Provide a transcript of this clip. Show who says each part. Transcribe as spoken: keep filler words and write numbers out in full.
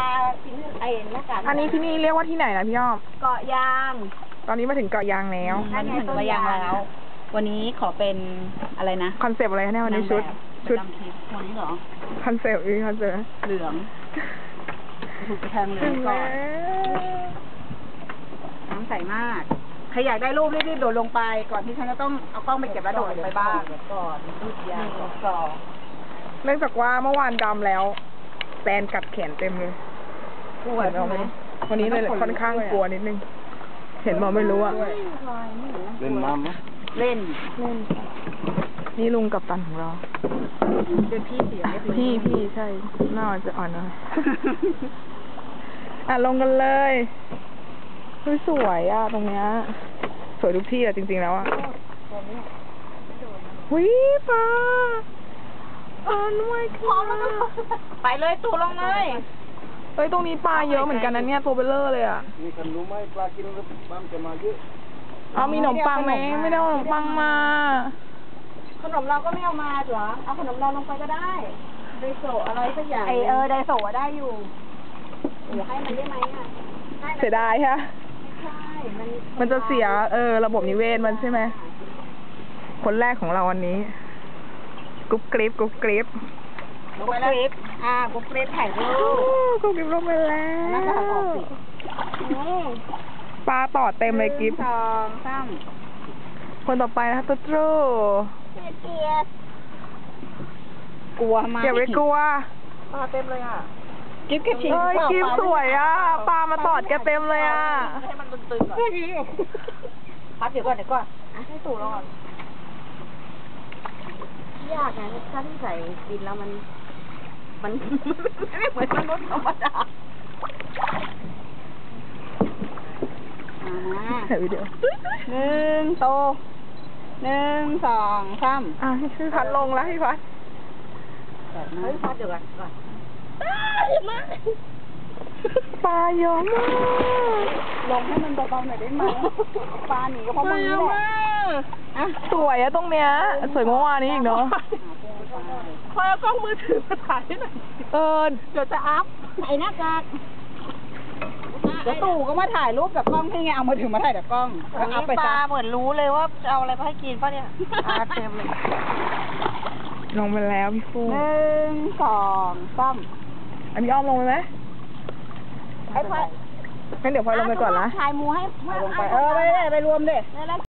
Speaker 1: าทิ้งไอ้หน้ากาก
Speaker 2: อันนี้ที่นี่เรียกว่าที่ไหนนะพี่อ้อม
Speaker 1: เกาะยาง
Speaker 2: ตอนนี้มาถึงเกาะยางแล้ว
Speaker 1: นั่นไงต้นยางแล้ววันนี้ขอเป็นอะไรนะ
Speaker 2: คอนเซปต์อะไรเนี่ยวันนี้ชุดชุด
Speaker 1: ประจำทริปวันนี้เหรอ
Speaker 2: คอนเซปต์อีกคอนเซปต์
Speaker 1: เหลืองถูกกระแทงเหลื
Speaker 2: ถึ
Speaker 1: อง
Speaker 2: ง
Speaker 1: ก่อ
Speaker 2: แล้
Speaker 1: น
Speaker 2: ว
Speaker 1: น้ำใสมากใครอยากได้รูปรีบๆโดดลงไป ก่อนที่ฉันจะต้องเอากล้องไปเก็บแล้วโดดลงไปบ้างก่อนรูปยางก่อน
Speaker 2: เนื่องจากว่าเมื่อวานดำแล้วแตนกัดแขนเต็มเลย
Speaker 1: ปวดใช่ไหม
Speaker 2: วันนี้เลยค่อนข้างกลัวนิดนึง เห็นบอกไม่รู้อ่ะ
Speaker 3: เล่นน้ำไหม
Speaker 1: เล่น
Speaker 2: นี่ลุงกับตันของเรา
Speaker 1: เป็นพี่เสียเรียบร้อย
Speaker 2: พี่พี่ใช่หน้าจะอ่อนหน่อย อ่ะลงกันเลยเฮ้ยสวยอ่ะตรงเนี้ยสวยทุกที่อ่ะจริงๆแล้วอ่ะวิปลาอ่านไว้ค่ะ
Speaker 1: ไปเลยตู่ลงเลย
Speaker 2: เฮ้ยตรงนี้ปลาเยอะเหมือนกันนะเนี่ยตัวเบลเลอร์เลยอ่ะ
Speaker 3: มีขนมไหมปลากินแล้วบ้านจะมาเยอะ
Speaker 2: เอามีขนมปังไหมไม่ได้เอาขนมปังมา
Speaker 1: ขนมเราก็ไม่เอามาเหรอเอาขนมเราลงไปก็ได้ไดโซอะไรสักอย่างไอเออไดโซได้อยู่เดี๋ยวให้มันได้ไหมอ่ะ
Speaker 2: เสียดายฮะ
Speaker 1: ใช่มัน
Speaker 2: มันจะเสียเออระบบนิเวศมันใช่ไหมคนแรกของเราวันนี้กรุ๊ปกริปกรุ๊ปกริป
Speaker 1: ลงไปแล้วอ่ากุ๊กเกรดถ่ายรู
Speaker 2: โอ้
Speaker 1: ป
Speaker 2: กรุ๊ปกริปลงไปแล้ว
Speaker 1: น่าจะหักออกสิ
Speaker 2: ปลาต่อเต็มเลยกริป
Speaker 1: สองสาม
Speaker 2: คนต่อไปนะคะตุ๊ดรู
Speaker 1: เกียดกลัวมาก
Speaker 2: อย่าไปกลัว
Speaker 1: ปลาเต็มเลยอ่ะกิ๊บแค่ชิง
Speaker 2: เอ้ยกริปสวยอ่ะปลามาตอดแกเต็มเลยอ่ะ
Speaker 1: ให้มันตึงๆก่อนพัดเดี๋ยวก่อนเดี๋ยวก่อนให้ตู่รอดยากนะถ้าที่ใส่กินแล้วมัน มันไม่เหมือนมนุษย์ธรรมดาอ่า
Speaker 2: ถ่ายวิดีโอ
Speaker 1: หนึ่งโตหนึ่งสองสาม
Speaker 2: อ่ะให้พี่พัดลงแล้วพี่พัด
Speaker 1: เฮ้ยพัดเดี๋ยวก่อนก่อนมา
Speaker 2: ปลาเยอะมาก
Speaker 1: ลงให้มันเบาๆหน่อยได้ไหมปลาหนีก็เพราะมึงนี่แหละอ่ะ
Speaker 2: สวยอะตรงเนี้ยสวยเมื่อวานนี้อีกเนาะ
Speaker 1: คอยเอากล้องมือถือมาถ่ายให้หน่อย
Speaker 2: เออ
Speaker 1: เดี๋ยวจะอัพไอ้หน้ากากเดี๋ยวตู่ก็มาถ่ายรูปกับกล้องที่ไงเอามือถือมาถ่ายกับกล้องแล้วอัพไป
Speaker 4: ป
Speaker 1: ซะ
Speaker 4: ลาเหมือนรู้เลยว่าจะเอาอะไรมาให้กินป่ะเนี่ยปลาเต็มเลย
Speaker 2: ลงไปแล้วพี่ฟู
Speaker 1: หนึ่งสองสาม
Speaker 2: อันนี้อ้อมลงไปไหม
Speaker 1: ไอ้พลอย
Speaker 2: งั้นเดี๋ยวพลอยลงไปก่อนนะ
Speaker 1: ถ่ายหมูให้ลงไปเออไปเลยไปรวมเด้